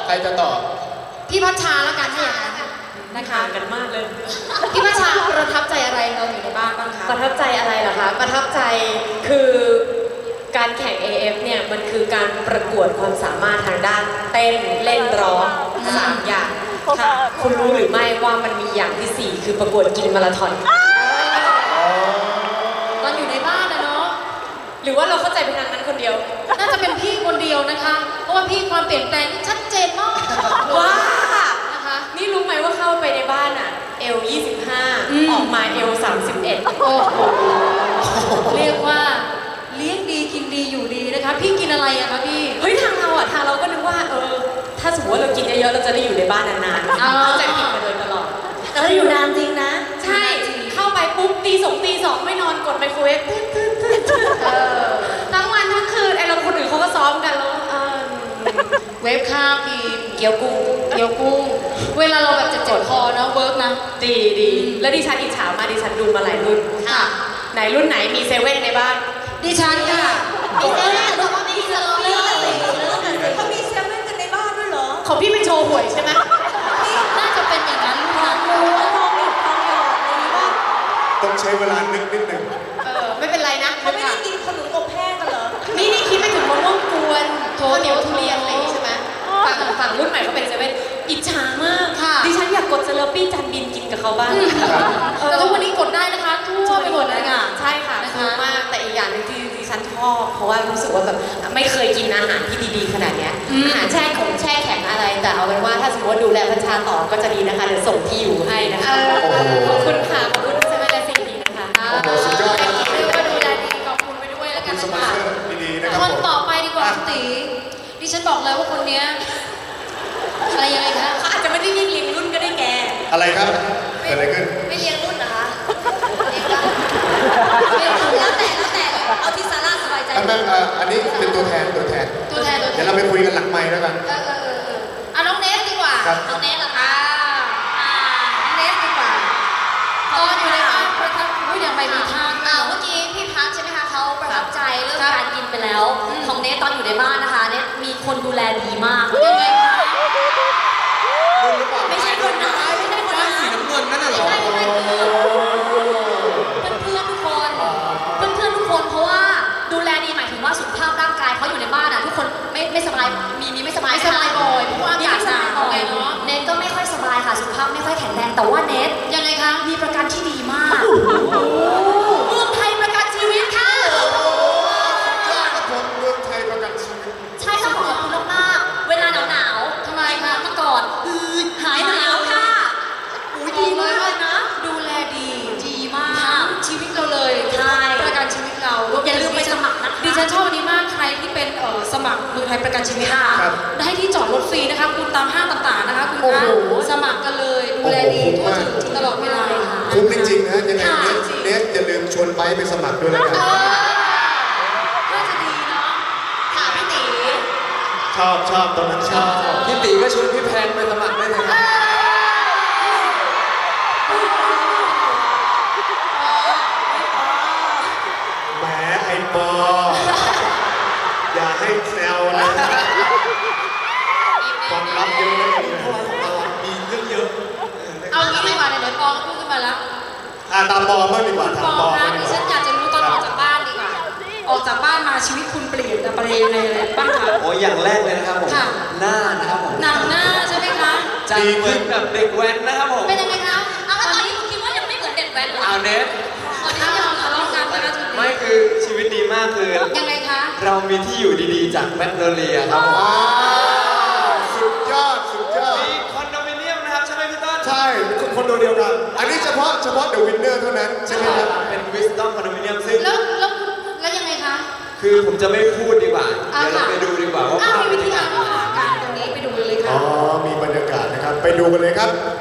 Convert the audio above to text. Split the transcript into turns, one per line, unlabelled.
ใครจะตอบ
พี่พัชชาละกันถ้าอย่างนั้นนะคะ
กันมากเลย
พี่พัชชาประทับใจอะไรเราอยู่ในบ้านบ้างคะ
ประทับใจอะไรเหรอคะ ประทับใจคือการแข่ง AF เนี่ยมันคือการประกวดความสามารถทางด้านเต้นเล่นร้อง3 อย่างค่ะคุณรู้หรือไม่ว่ามันมีอย่างที่ 4 คือประกวดกินมาราธอน
ตอนอยู่ในบ้านนะเนาะ
หรือว่าเราเข้าใจเป็นทางนั้นคนเดียว
น่าจะเป็นพี่คนเดียวนะคะ เพราะว่าพี่ความเปลี่ยนแปลงนี่ชัดเจนมาก
ว้า
นะคะ
นี่รู้ไหมว่าเข้าไปในบ้านอ่ะเอล25 ออกมาเอล31
โอ้โหเรียกว่าเลี้ยงดีกินดีอยู่ดีนะคะ พี่กินอะไรอะคะพี่
เฮ้ยทางเราก็นึกว่าถ้าสมมติว่าเรากินเยอะๆเราจะได้อยู่ในบ้านนานๆ
อ๋อ
เข้าใจผิดมาโดยตลอด
แต่ว่าอยู่นานจริงนะ
ใช่ เข้าไปปุ๊บตี 2 ไม่นอนกดไมโครเวฟทั้งวันทั้งคืนไอเราคนอื่นเขาก็ซ้อมกันแล้ว
เวฟข้าวกิน
เกี๊ยวกุ้ง
เกี๊ยวกุ้ง เวลาเราแบบเจ็บคอเนาะเวิร์กนะ
ดีแล้วดิฉันอิจฉามากดิฉันดูมาหลายรุ่น
ค่ะ
ไหนรุ่นไหนมีเซเว่นในบ้าน
ดิฉันค่ะ
มีเซเว่นแต่ว่าไม่มีเซเว่นเขามีเซเว่นกันในบ้านด้วยเหรอ
ของพี่เป็นโชว์หวยใช่ไหม
น่าจะเป็นอย่างนั้นลูกนะ
ทองหยอดอะไรนี้ป่ะ
ต้องใช้เวลานึกนิดหนึ่ง
ไม่เป็นไรนะ
เขาไม่ได้กินขนมอบแห้งกันเหรอ
นี่คิดไปถึงมะม่วงกวนข้าวเหนียวทุเรียนอะไรอย่างงี้ใช่ไหมฝั่งรุ่นใหม่เขาเป็นเซเว่นอิจฉามาก
ค่ะ
ดิฉันอยากกดเซเลปี้จานบินกินกับเขาบ้าง
แต่ทุกวันนี้กดได้นะคะทั่วไปหมดเลยค่ะ
ใช่ค่ะ
นะคะ
คุ้มมากแต่อีกอย่างหนึงที่ดิฉันชอบเพราะว่ารู้สึกว่าแบบไม่เคยกินอาหารที่ดีๆขนาดเนี้ยอาหารแช่แข็งอะไรแต่เอาเป็นว่าถ้าสมมติว่าดูแลพัชชาต่อก็จะดีนะคะเดี๋ยวส่งที่อยู่ให้นะคะขอบคุณค่ะขอบคุณเซเว่นและซีดีนะคะ
โอ้โหสุดยอดครับ
เรียกว่าดูแลดีขอบคุณไปด้วยแล้ว
คุ
กัน
ณส
นะ
ปอน
คะ
เซอร์ดีๆนะครับ
คน
ผม
ต่อไปดีกว่าคุณตีดิฉันบอกเลยว่าคนเนี้ยอะไรยังไงคะ
เขาอาจจะไม่ได้เรียงรุ่นก็ได้แก
อะไรครับเกิดอะไรขึ้น
ไม่เลี้ยงรุ่นนะคะเลี้ยงได้แล้วแต่เอาที่ซาร่าสบายใจ
อันนี้เป็นตัวแทน
ตัวแทน
เดี๋ยวเราไปคุยกันหลังไมค์แล้วกัน
เอาน้องเนสดีกว่า
ครับ
น้องเนสเหรอคะน้องเนสดีกว่าตอนอยู่ในบ้านประทับอย่างไรมีท่า
เมื่อกี้พี่พัชใช่ไหมคะเขาประทับใจเรื่องการกินไปแล้ว ของเนทตอนอยู่ในบ้านนะคะเนทมีคนดูแลดีมาก
ยังไงคะ
รุ่นหรือเปล่า
ไม่ใช่คนร้ายไม่ใช่คนร้าย
สีน้ำเงินนั่นน่ะเหรอ
เพื่อนทุกคนเพราะว่าดูแลดีหมายถึงว่าสุขภาพร่างกายเขาอยู่ในบ้านอ่ะทุกคนไม่สบายมีไม่สบาย
ไม่สบายบ่อยเพราะว่าอากาศหนาวไงเนาะ
เนทก็ไม่ค่อยสบายค่ะสุขภาพไม่ค่อยแข็งแรงแต่ว่าเนท
ยังไงคะ
มีประกันที่ดีมากเมืองไทยประกันชีวิตค่ะ
ยอดครับผมเมืองไทยประกันชีวิต
ใช่ต้องขอบคุณมากๆเวลาหนาวๆ
ทำไมคะ
มาก่อนหายหนาวค่ะดีมากเลยนะ
ดูแลดีมาก
ค่ะ
ชีวิตเราเลย
ใช่
ประกันชีวิตเรา
อย่าลืมไปสมัครนะคะ
ดิฉันชอบอันนี้มากใครที่เป็นสมัครเมืองไทยประกันชีวิต
ค่ะ
ครับ
ได้ที่จอดรถฟรีนะคะคุณตามห้างต่างๆนะคะคุณ
โอ้
คะ
โห
สมัครกันเลยดูแลดีทั่วถึงตลอดเวลา
คุ้มจริงๆนะยังไง
ค่ะ
เนสอย่าลืมชวนไปสมัครด้วยแล้วกัน
น่าจะดีเนาะ
ค่ะพี่ตี
ชอบตอนนั้นชอบ
พี่ตีก็ชวนพี่แพนไปสมัครได้เลยครับ
แหมไอ้ปออย่าให้แซวนะความลับเยอะนะเพราะว่าของเรามีเรื่องเยอะ
เอางี้ดีกว่าเดี๋ยวปองพูดขึ้นมาแล้ว
ตามปอบ้างดีกว่า
ป
ถาม
อ
ปอ
คะ
บ้างดี
ดิ
ก
ฉัน
ว่า
อยากจะรู้ตอนออกจากบ้านดีกว่าออกจากบ้านมาชีวิตคุณเปลี่ยนไปในอะไรบ้างคะ
โอ้ยอย่างแรกเลยนะครับผม
ค่ะ
หน้านะครับผม
หนังหน้าใช่ไหมคะ
จากเหมือนแบบเด็กแว้นนะครับผม
เป็นยังไงคะ
เอาแล้วตอนนี้คุณคิดว่ายังไม่เหมือนเด็กแว้นเหรอ
เอาเนส
ตอนนี้เราทะเลาะกันนะคะจุด
ไม่
นี้
คือชีวิตดีมากคือ
ยังไงคะ
เรามีที่อยู่ดีๆ จากแมกโนเลียครับผม
สุดยอด
มีคอนโดมิเนียมนะครับใช่ไหมพี่ต้น
ใช่คนโดเดียวกัน อันนี้เฉพาะเดอะวินเนอร์เท่านั้นใช่ไหมครับ
เป็นวิสตอมคอนโดมิเนียมซึ่ง
แล้วยังไงคะ
คือผมจะไม่พูดดีกว่า
อ่ะ
เดี๋ยวเรา
ค่ะ
ไปดูดีกว่าว่า
อ้าว
ภาพ
มี
เป็น
วิ
ยั
ธี
งไง
การเข้าหากันตรงนี้ไปดูเลย
อ๋
ค่ะ
อ มีบรรยากาศนะครับ ไปดูกันเลยครับ